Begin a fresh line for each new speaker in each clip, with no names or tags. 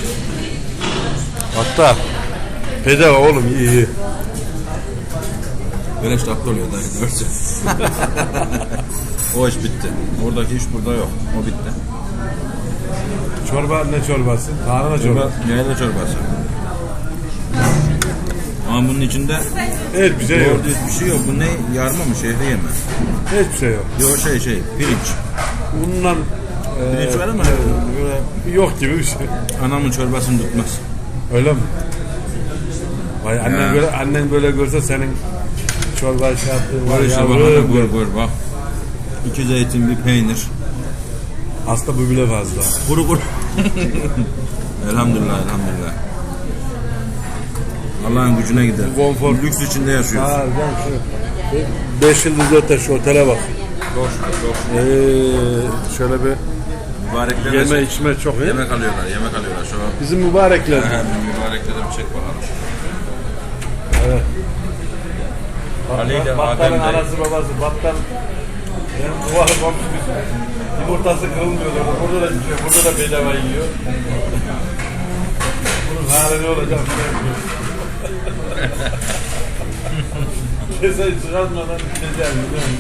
Hatta bedava oğlum iyi.
Beleş tatlı oluyor dayı görse. O iş bitti. Oradaki iş burada yok. O bitti.
Çorba ne çorbası? Tarhana çorbası.
Yayla çorbası. Ama bunun içinde
Hiçbir şey yok.
doğru düz bir şey yok. Bu ne? Yarma mı? Şehriye mi?
Hiçbir şey yok.
Yok pirinç.
Bundan
Pirinç var ama böyle
yok gibi bir şey.
anamın çorbasını tutmaz.
Öyle mi? Vay annen böyle görse senin çorba şey yaptığın var ya.
Gör bak. 2 zeytin, bir peynir.
Aslında bu bile fazla.
Kuru. Elhamdülillah. Allah'ın gücüne gider.
Konfor.
Lüks içinde yaşıyoruz.
Ha, ben şu 5 yıldızlı otel şu otele bak.
Boş.
Şöyle bir
Mübarekler
yeme içme çok iyi.
Yemek alıyorlar şu an.
Bizim mübarekler.
Mübarekler bir çek bakalım.
Evet.
Ali ile
Battan'ın
Adem de.
anası babası Battan. Yani duvarı komşumuz. Yumurtası kırılmıyor. Burada da yiyor. Burada da bedava yiyor. Bunun hali ne olacak? Keseyi çıkartmadan gideceğim.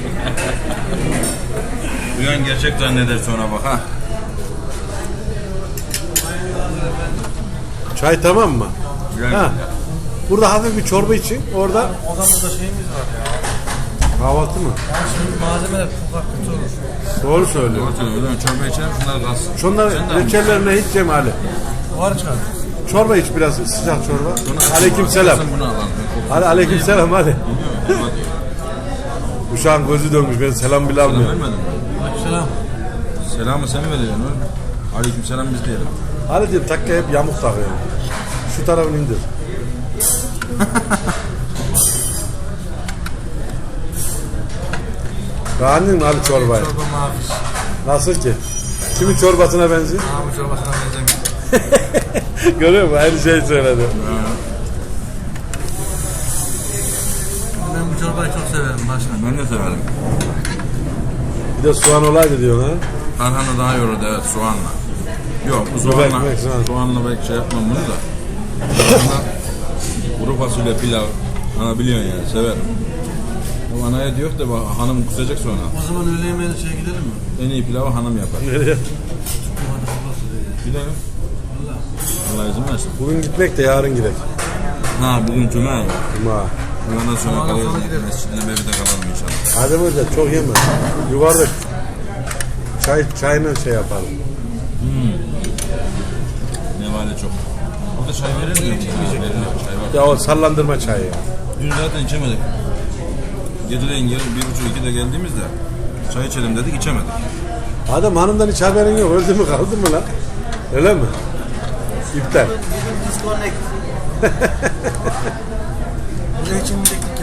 Duyan gerçek zanneder sonra bak ha.
Çay tamam mı?
Güzel.
Ha. Burada hafif bir çorba için orada
Odamızda şeyimiz var ya.
kahvaltı mı?
Yani şimdi malzemeler çok kötü olur.
Doğru söylüyor.
Doğru söylüyor. Çorba içelim şunlar kalsın.
Şunlar reçellerine hiç yeme Ali.
Var çıkar.
Çorba iç biraz sıcak çorba. Aleykümselam.
Bunu alalım.
Ali aleykümselam hadi. Uşağın gözü dönmüş ben selam bile
Selam
almıyorum.
vermedin mi?
Selam.
Selamı sen mi vereceksin oğlum? Aleykümselam biz diyelim.
Ali diyorum takka hep yamuk takıyor. Şu tarafını indir. Beğendin mi abi çorbayı?
Çorba mavi.
Nasıl ki? Kimin çorbasına benziyor?
Mavi çorbasına benzemiyor.
Görüyor musun? Aynı şey söyledi.
Ben bu çorbayı çok severim başkan.
Ben de severim.
Bir de soğan olaydı diyorsun ha?
Tarhana daha yoruldu evet soğanla. Yok bu
Biber,
soğanla,
ekmek,
soğanla belki şey yapmam bunu da. Soğanla kuru fasulye pilav. Ana biliyorsun yani severim. O anaya diyor da bak, hanım kusacak sonra.
O zaman öğle yemeğine gidelim mi?
En iyi pilavı hanım yapar.
Nereye?
Gidelim. Allah izin versin.
Bugün gitmek de yarın gidelim.
Ha bugün cuma.
Cuma.
Ondan sonra
Cuma'dan
kalırız.
sonra gideriz.
Mescidine evde kalalım inşallah.
Adem Hoca çok yeme. Yuvarlak. Çayla şey yapalım.
Ne vale çok. Burada çay verir mi? Verilir. Çay var.
Ya o sallandırma çayı ya.
Dün zaten içemedik. Geceleyin 1:30-2'de geldiğimizde çay içelim dedik içemedik.
Adam hanımdan hiç haberin yok. Öldü mü kaldı mı lan? Öyle mi? İptal.
Disconnect. Buraya için